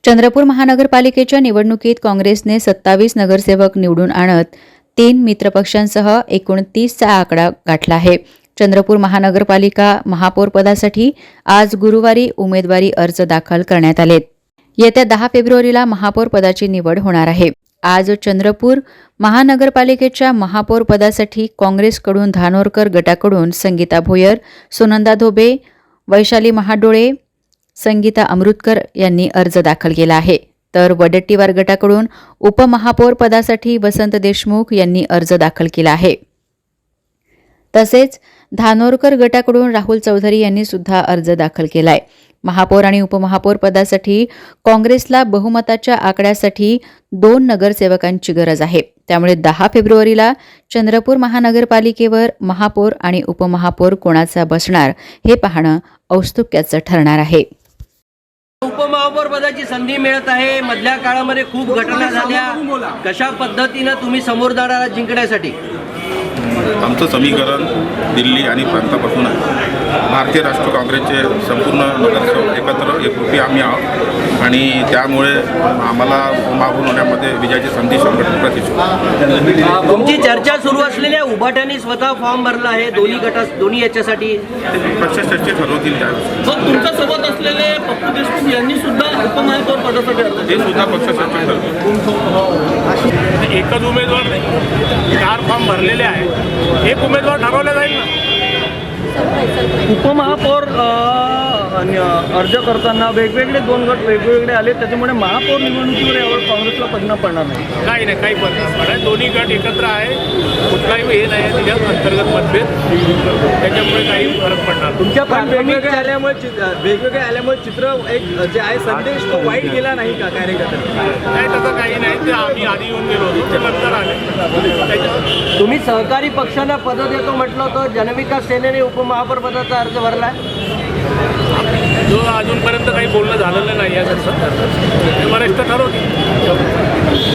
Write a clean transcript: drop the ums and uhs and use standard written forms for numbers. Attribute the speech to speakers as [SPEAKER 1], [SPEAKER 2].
[SPEAKER 1] चंद्रपूर महानगरपालिकेच्या निवडणुकीत काँग्रेसने 27 नगरसेवक निवडून आणत 3 मित्रपक्षांसह एकूण 30चा आकडा गाठला आहे. चंद्रपूर महानगरपालिका महापौर पदासाठी आज गुरुवारी उमेदवारी अर्ज दाखल करण्यात आलेत. येत्या 10 फेब्रुवारीला महापौर पदाची निवड होणार आहे. आज चंद्रपूर महानगरपालिकेच्या महापौर पदासाठी काँग्रेसकडून धानोरकर गटाकडून संगीता भोयर, सुनंदा धोबे, वैशाली महाडोळे, संगीता अमृतकर यांनी अर्ज दाखल केला आहे. तर वडट्टीवार गटाकडून उपमहापौर पदासाठी वसंत देशमुख यांनी अर्ज दाखल केला आहे. तसेच धानोरकर गटाकडून राहुल चौधरी यांनी सुद्धा अर्ज दाखल केलाय. महापौर आणि उपमहापौर पदासाठी काँग्रेसला बहुमताच्या आकड्यासाठी 2 नगरसेवकांची गरज आहे. त्यामुळे 10 फेब्रुवारीला चंद्रपूर महानगरपालिकेवर महापौर आणि उपमहापौर कोणाचा बसणार हे पाहणं औत्सुक्याचं ठरणार आहे.
[SPEAKER 2] उपमहापौर पदाची संधी मिळत आहे. मधल्या काळामध्ये खूप घटना झाल्या. कशा पद्धतीने तुम्ही समोर जाणार जिंकण्यासाठी?
[SPEAKER 3] आमचं समीकरण दिल्ली आणि प्रांतापासून आहे. भारतीय राष्ट्रीय काँग्रेसचे संपूर्ण नगरसेवक एकत्र एकरूपी आम्ही आहोत आणि त्यामुळे आम्हाला उपमहापौर होण्यामध्ये विजयाची संधी 100% प्रतिष्ठित.
[SPEAKER 2] तुमची चर्चा सुरू असलेल्या उभाट्याने स्वतः फॉर्म भरला आहे दोन्ही याच्यासाठी.
[SPEAKER 3] पक्ष चर्चा ठरवतील त्यावेळेस.
[SPEAKER 4] तुमच्या सोबत असलेले पप्पू देशमुख यांनी सुद्धा उपमहापौर पदासाठी अर्ज
[SPEAKER 3] ते सुद्धा पक्ष चर्चा ठरवतील.
[SPEAKER 4] एकच उमेदवार नाही, 4 फॉर्म भरलेले आहेत. एक उमेदवार ठरवला जाईल ना. उपमहापौर अर्ज करताना वेगवेगळे 2 गट वेगवेगळे आले, त्याच्यामुळे महापौर निवडणुकीवर यावर काँग्रेसला परिणाम पडणार नाही. काही परिणाम पडणार. दोन्ही गट एकत्र आहे. कुठलाही हे नाही आहे त्याच्यात अंतर्गत मतभेद, त्याच्यामुळे काही फरक पडणार.
[SPEAKER 2] तुमच्या वेगवेगळे आल्यामुळे चित्र एक जे आहे संदेश तो वाईट गेला नाही का कार्यकर्त्यांना?
[SPEAKER 4] नाही, तसं काही नाही. ते आम्ही आधी येऊन गेलो होतो, ते नंतर आले.
[SPEAKER 2] तुम्ही सहकारी पक्षांना पद देतो म्हटलं होतं. जनविकास सेनेने उपमहापौर पदाचा अर्ज भरला.
[SPEAKER 4] जो अजूनपर्यंत काही बोलणं झालेलं नाही आहे. वरिष्ठ ठरवतील.